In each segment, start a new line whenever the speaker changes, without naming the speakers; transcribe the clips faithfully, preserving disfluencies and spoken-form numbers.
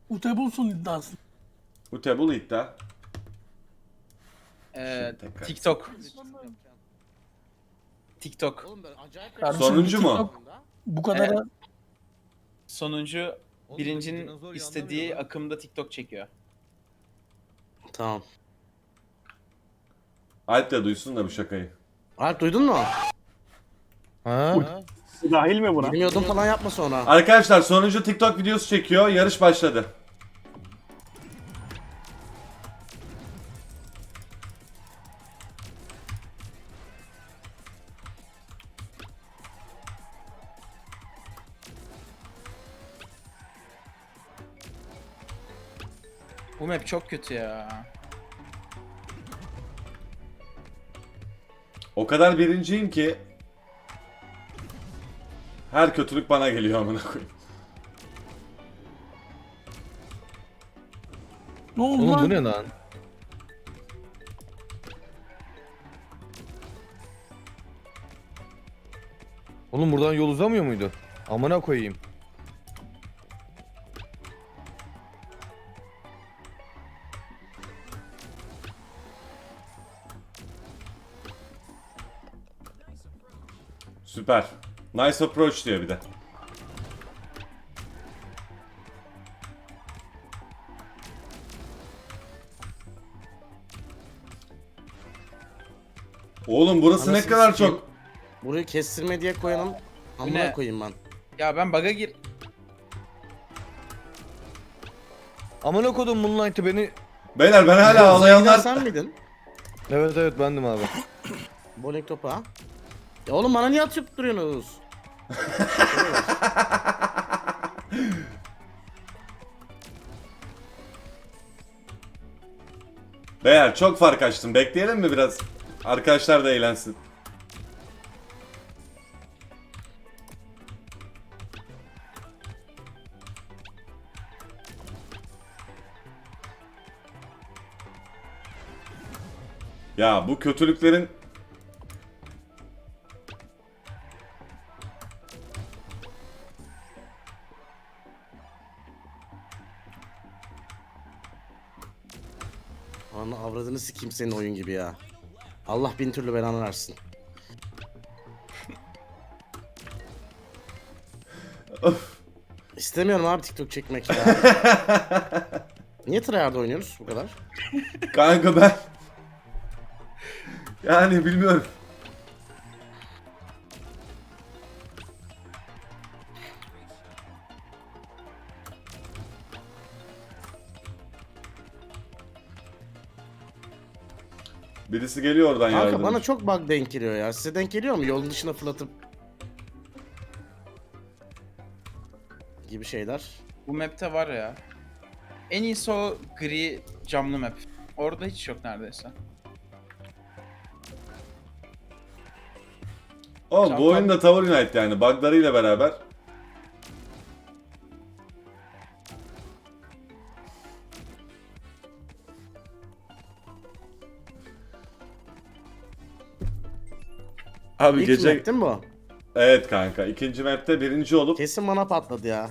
Utebulsun iddiası.
Utebul iddia.
Ee,
Şimdi tekrar.
TikTok. TikTok.
Oğlum ben acayip
Kardeşim,
Sonuncu mu?
TikTok bu kadar
Evet. Sonuncu
Oğlum,
birincinin
dinozor
istediği
yanlamıyor lan.
akımda TikTok çekiyor.
Tamam.
Alp de duysun da bu şakayı.
Alp duydun mu?
Ha?
Dahil mi buna?
Bilmiyordum falan yapma sonra.
Arkadaşlar sonuncu TikTok videosu çekiyor. Yarış başladı.
Bu map çok kötü ya.
O kadar birinciyim ki her kötülük bana geliyor amına koyayım.
ne oldu
Oğlum bu
lan?
ne lan? Oğlum buradan yol uzamıyor muydu? Amına koyayım.
Süper. Nice approach diyor bir de. Oğlum burası ne
Anasını
kadar
sikeyim.
çok...
Burayı kestirme diye koyanım. Amına
ne?
koyayım ben.
Ya ben bug'a gir...
Amına kodum Moonlight'ı beni...
Beyler ben hala
Uzaya
ağlayanlar...
giden sen miydin?
Evet evet bendim abi.
Bowling topu ha? Ya oğlum bana niye atıp duruyorsunuz?
Beyler çok fark açtım. Bekleyelim mi biraz? Arkadaşlar da eğlensin. Ya bu kötülüklerin...
Ana avradını sikeyim senin oyun gibi ya. Allah bin türlü belanı versin. İstemiyorum abi TikTok çekmek ya. Niye tryhard oynuyoruz bu kadar?
Kanka ben... Yani bilmiyorum. Birisi geliyor oradan
Kanka
yardım.
bana çok bug denk geliyor ya. Size denk geliyor mu? Yolun dışına fırlatıp gibi şeyler.
Bu map'te var ya. En iyisi o gri camlı map. Orada hiç yok neredeyse.
Oğlum
Can
bu oyun da Tower Unite yani buglarıyla beraber. Abi
İlk
gece...
map değil mi bu?
Evet kanka ikinci map'te birinci olup
Kesin bana patladı ya.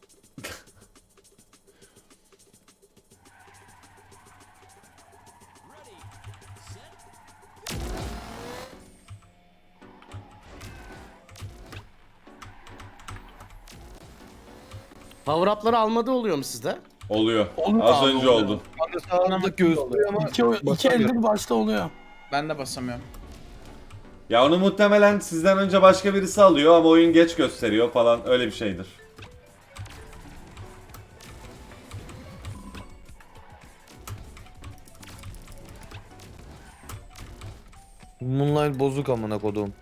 Power up'ları almadı oluyor mu sizde?
oluyor.
Oluyor
Az
abi,
önce
oluyor.
oldu.
Kanka sağımda gösteriyor ama...
İki, iki
basamıyorum.
eldir başta oluyor.
Ben de basamıyorum.
Ya onu muhtemelen sizden önce başka birisi alıyor ama oyun geç gösteriyor falan öyle bir şeydir.
Moonlight bozuk amına kodum.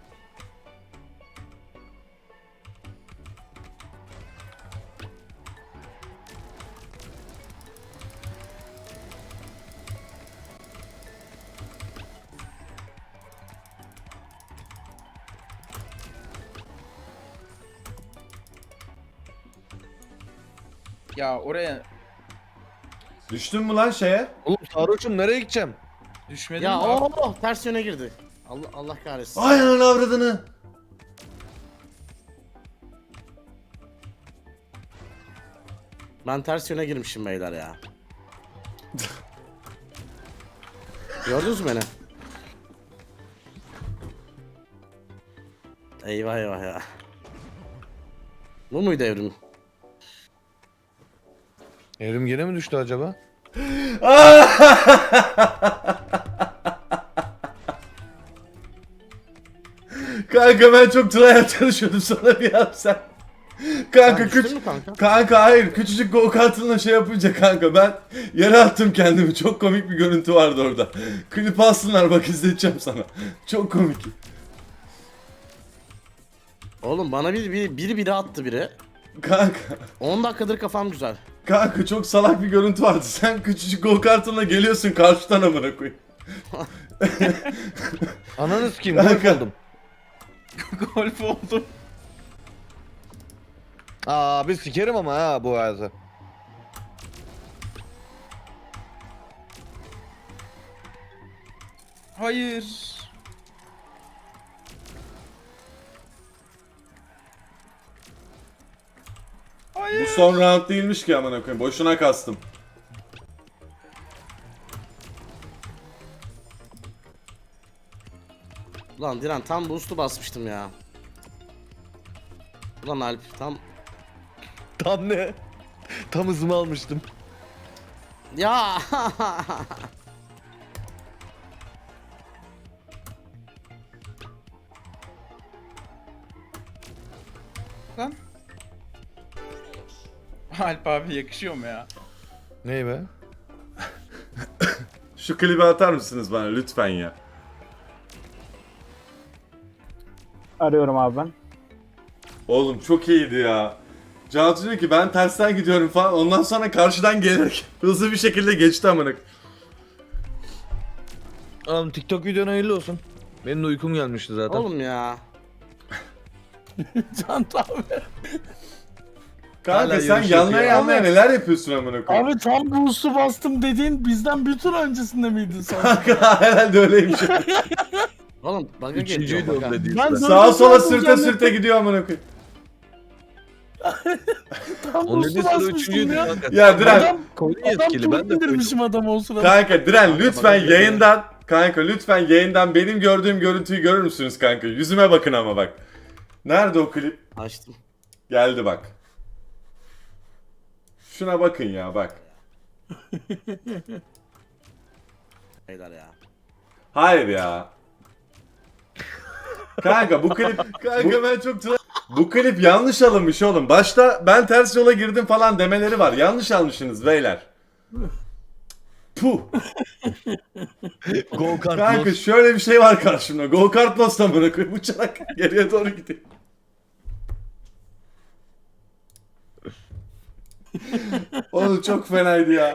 Ya oraya
Düştün mü lan şeye?
Oğlum sarhoşum nereye gideceğim?
düşmedim
Ya
mi?
oh ters yöne girdi. Allah Allah kahretsin.
Ay ananı avradını.
Ben ters yöne girmişim beyler ya. Gördünüz mü beni? Eyvah eyvah ya. Bu muydu evrim?
Evrim gene mi düştü acaba?
Kanka ben çok tryhard çalışıyordum sana bir yapsam. Kanka
Sen düştün
küç
mü kanka?
kanka hayır küçücük go kartınla şey yapınca kanka ben yere attım kendimi. Çok komik bir görüntü vardı orada. Klip alsınlar bak izleteceğim sana. Çok komik.
Oğlum bana bir, bir, biri biri attı biri.
Kanka
on dakikadır kafam güzel.
kanka çok salak bir görüntü vardı. Sen küçücük go kartınla geliyorsun karşıdan amına koyayım.
Ananı sikeyim golf
Kanka.
oldum.
Golf oldum.
Abi sikerim ama ha bu hayatı.
Hayır.
Bu
Hayır.
son round değilmiş ki amına koyayım. Boşuna kastım.
Ulan Diren tam boost'u basmıştım ya. Ulan Alp tam...
Tam ne? Tam hızımı almıştım.
Ya
Lan. Alp abi yakışıyor mu ya?
Ney be?
Şu klibi atar mısınız bana lütfen ya?
Arıyorum abi ben.
Oğlum çok iyiydi ya. Cantu diyor ki ben tersten gidiyorum falan. Ondan sonra karşıdan gelerek hızlı bir şekilde geçti amına.
Oğlum TikTok videon hayırlı olsun. Benim de uykum gelmişti zaten.
oğlum ya.
Can abi.
Kanka
Hala
sen
yarış
yanlaya
yapıyor.
yanlaya neler yapıyorsun amına koyayım?
Abi tam boost'u bastım dediğin bizden bir tur öncesinde miydi sen?
Kanka herhalde öyleymiş.
Oğlum bug'a
Üçüncüydü
geliyor
o
bug'a.
dediği
Ben
işte.
dördüncü
Sağa sola
oldum
sürte
zannettim.
sürte gidiyor amına koyayım.
Tam
O
boost'u
dediği sıra
basmıştım
üçüncüydü
ya.
kanka.
Ya Diren.
Adam,
Koydun
adam
yetkili ben de
turbo
koydum.
indirmişim adamı o sırada.
Kanka Diren lütfen
bana geliyor.
yayından kanka lütfen yayından benim gördüğüm görüntüyü görür müsünüz kanka? Yüzüme bakın ama bak. Nerede o klip?
Açtım.
Geldi bak. Şuna bakın ya bak.
Beyler ya.
Hayır ya. Kanka bu klip kanka ben çok tra- bu klip yanlış alınmış oğlum. Başta ben ters yola girdim falan demeleri var. Yanlış almışsınız beyler. Puh.
Go kart
Kanka
loss.
şöyle bir şey var karşımda. Go kart lost amına koyayım uçarak geriye doğru gidiyor. Oğlum çok fenaydı ya.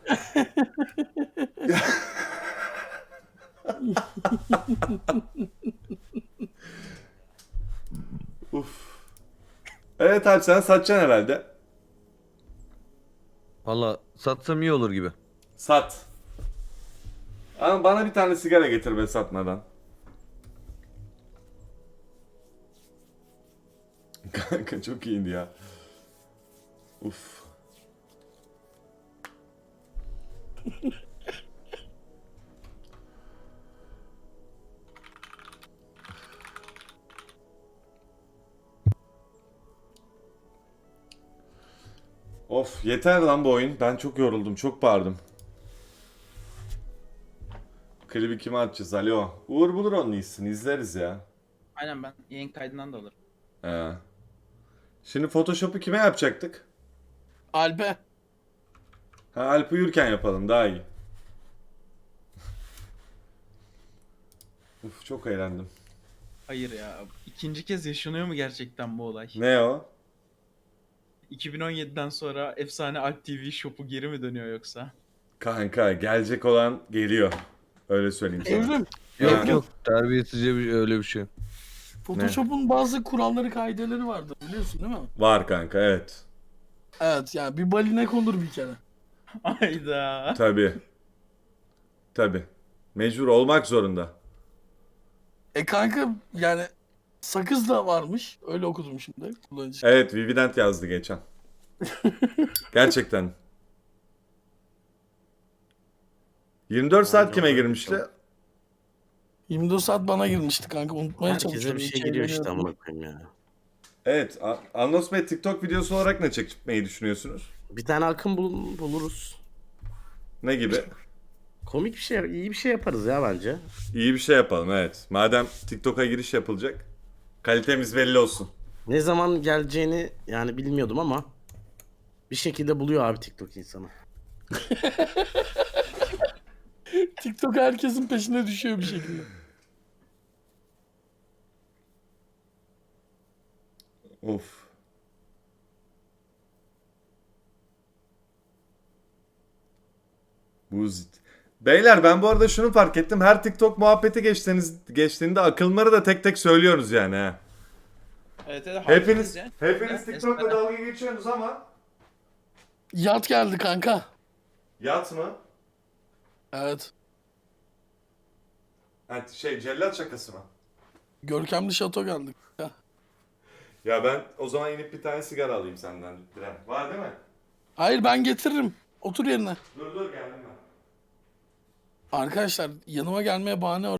Uf. Evet abi sen satacaksın herhalde.
Valla satsam iyi olur gibi.
Sat. Ama bana bir tane sigara getir be satmadan. Kanka çok iyiydi ya. Uf. Of yeter lan bu oyun. Ben çok yoruldum, çok bağırdım. Klibi kime atacağız? Alo. Uğur bulur onun iyisini. İzleriz ya.
Aynen ben yayın kaydından da alırım.
He. Şimdi Photoshop'u kime yapacaktık?
Albe.
Ha Alp uyurken yapalım daha iyi. Uf çok eğlendim.
Hayır ya. İkinci kez yaşanıyor mu gerçekten bu olay?
Ne o?
iki bin on yediden sonra efsane Alp T V Shop'u geri mi dönüyor yoksa?
Kanka gelecek olan geliyor. Öyle söyleyeyim sana.
Evrim.
Yok
Ha.
yok terbiyesizce bir, öyle bir şey.
Photoshop'un bazı kuralları kaideleri vardır biliyorsun değil mi?
Var kanka evet.
Evet yani bir balinek olur bir kere.
Ayda.
Tabi. Tabi. Mecbur olmak zorunda.
E kanka yani sakız da varmış. Öyle okudum şimdi kullanıcı.
Evet Vivident yazdı geçen. Gerçekten. yirmi dört saat kime girmişti?
yirmi dört saat bana girmişti kanka. Unutmaya
Herkese
çalışıyorum.
bir şey
hiç
giriyor işte
eğleniyorum.
amına koyayım ya.
Evet. A- Anlos Bey TikTok videosu olarak ne çekmeyi düşünüyorsunuz?
Bir tane akım bul- buluruz.
Ne gibi?
Komik bir şey, iyi bir şey yaparız ya bence.
İyi bir şey yapalım evet. Madem TikTok'a giriş yapılacak. Kalitemiz belli olsun.
Ne zaman geleceğini yani bilmiyordum ama bir şekilde buluyor abi TikTok insanı.
TikTok herkesin peşine düşüyor bir şekilde.
Of. Buzit. Beyler ben bu arada şunu fark ettim. Her TikTok muhabbeti geçtiğiniz, geçtiğinde akılları da tek tek söylüyoruz yani ha.
Evet, evet,
Hepiniz,
haklısınız ya.
hepiniz
Ya,
TikTok'la
eskiden-
dalga geçiyorsunuz ama.
Yat geldi kanka.
Yat mı?
Evet.
Ha, şey cellat şakası mı?
Görkemli şato geldi. Ya.
Ya ben o zaman inip bir tane sigara alayım senden. Diren. Var değil mi?
Hayır ben getiririm. Otur yerine.
Dur dur geldim ben.
Arkadaşlar yanıma gelmeye bahane